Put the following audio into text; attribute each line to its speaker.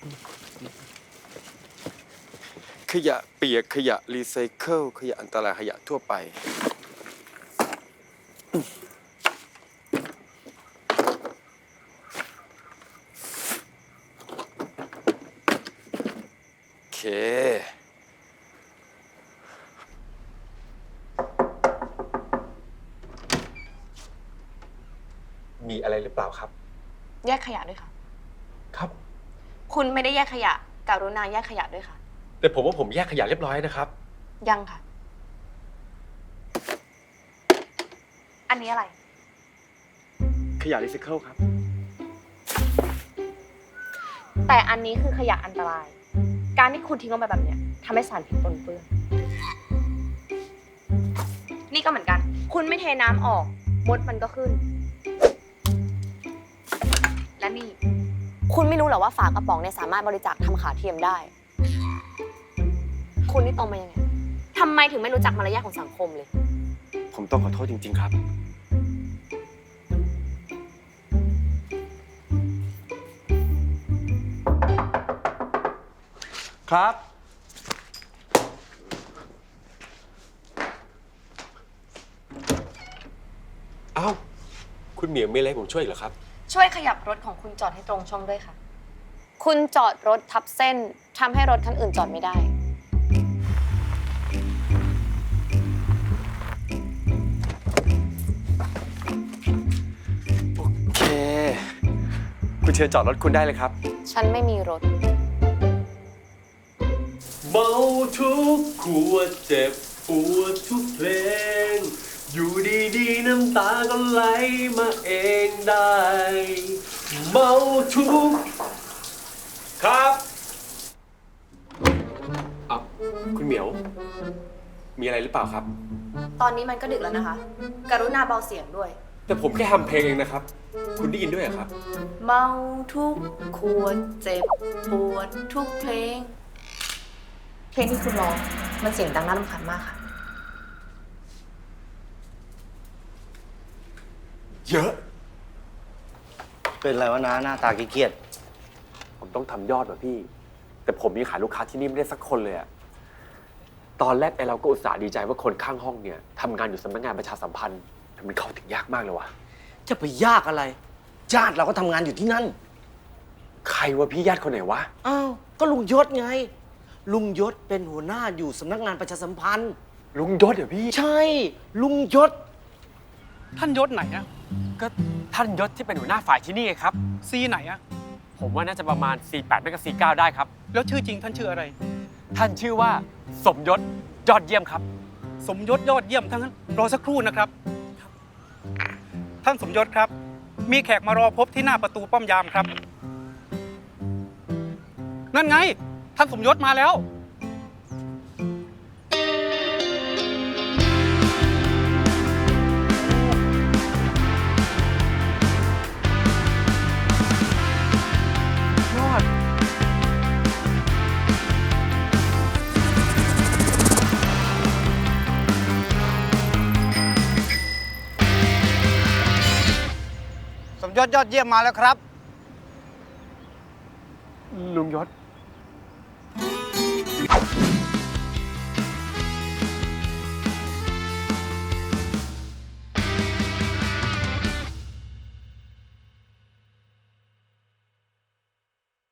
Speaker 1: ขยะเปียกขยะรีไซเคิลขยะอันตรายขยะทั่วไปโอเคมีอะไรหรือเปล่าครับ
Speaker 2: แยกขยะด้วยค่ะ
Speaker 1: ครับ
Speaker 2: คุณไม่ได้แยกขยะกรุณาแยกขยะด้วยค่ะ
Speaker 1: แต่ผมว่าผมแยกขยะเรียบร้อยนะครับ
Speaker 2: ยังค่ะอันนี้อะไร
Speaker 1: ขยะรีไซเคิลครับ
Speaker 2: แต่อันนี้คือขยะอันตรายการที่คุณทิ้งลงไปแบบเนี้ยทำให้สารพิษปนเปื้อนนี่ก็เหมือนกันคุณไม่เทน้ำออกมดมันก็ขึ้นและนี่คุณไม่รู้เหรอว่าฝากระป๋องเนี่ยสามารถบริจาคทำขาเทียมได้คุณนี่โตมายังไงทำไมถึงไม่รู้จักมารยาทของสังคมเลย
Speaker 1: ผมต้องขอโทษจริงๆครับครับเอ้าคุณเหมียวมีอะไรให้ผมช่วยเหรอครับ
Speaker 2: ช่วยขยับรถของคุณจอดให้ตรงช่องด้วยค่ะคุณจอดรถทับเส้นทำให้รถคันอื่นจอดไม่ได้
Speaker 1: โอเคคุณเชิญจอดรถคุณได้เลยครับ
Speaker 2: ฉันไม่มีรถ
Speaker 1: เมาทุกขวดเจ็บปวดทุกเพลงอยู่ดีๆน้ำตาก็ไหลมาเองได้เมาทุกครับอ่ะคุณเหมียวมีอะไรหรือเปล่าครับ
Speaker 2: ตอนนี้มันก็ดึกแล้วนะคะกรุณาเบาเสียงด้วย
Speaker 1: แต่ผมแค่ทำเพลงเองนะครับคุณได้ยินด้วยเหรอครับ
Speaker 2: เมาทุกขวดเจ็บปวดทุกเพลงเพลงที่คุณร้องมันเสียงดังน่ารำคาญมากค่ะ
Speaker 1: เยอะ
Speaker 3: เป็นไรวะนะหน้าตาเครียด
Speaker 1: ผมต้องทำยอดว่ะพี่แต่ผมยังขายลูกค้าที่นี่ไม่ได้สักคนเลยอะตอนแรกไอเราก็อุตส่าห์ดีใจว่าคนข้างห้องเนี่ยทำงานอยู่สำนักงานประชาสัมพันธ์แต่มันเข้าถึงยากมากเลยวะ
Speaker 3: จะไปยากอะไรญาติเราก็ทำงานอยู่ที่นั่น
Speaker 1: ใครวะพี่ญาติคนไหนวะ
Speaker 3: อ้าวก็ลุงยศไงลุงยศเป็นหัวหน้าอยู่สำนักงานประชาสัมพันธ์
Speaker 1: ลุงยศเหรอพี่
Speaker 3: ใช่ลุงยศ
Speaker 4: ท่านยศไหนอะ
Speaker 1: ก็ท่านยศที่เป็นหัวหน้าฝ่ายที่นี่ไงครับ
Speaker 4: ซีไหนอะ
Speaker 1: ผมว่าน่าจะประมาณ 48ไม่ก็49ได้ครับ
Speaker 4: แล้วชื่อจริงท่านชื่ออะไร
Speaker 1: ท่านชื่อว่าสมยศยอดเยี่ยมครับ
Speaker 4: สมยศยอดเยี่ยมทั้งนั้นรอสักครู่นะครับท่านสมยศครับมีแขกมารอพบที่หน้าประตูป้อมยามครับนั่นไงท่านสมยศมาแล้ว
Speaker 1: ยอด
Speaker 5: สมยศยอดเยี่ยมมาแล้วครับ
Speaker 1: ลุงยศ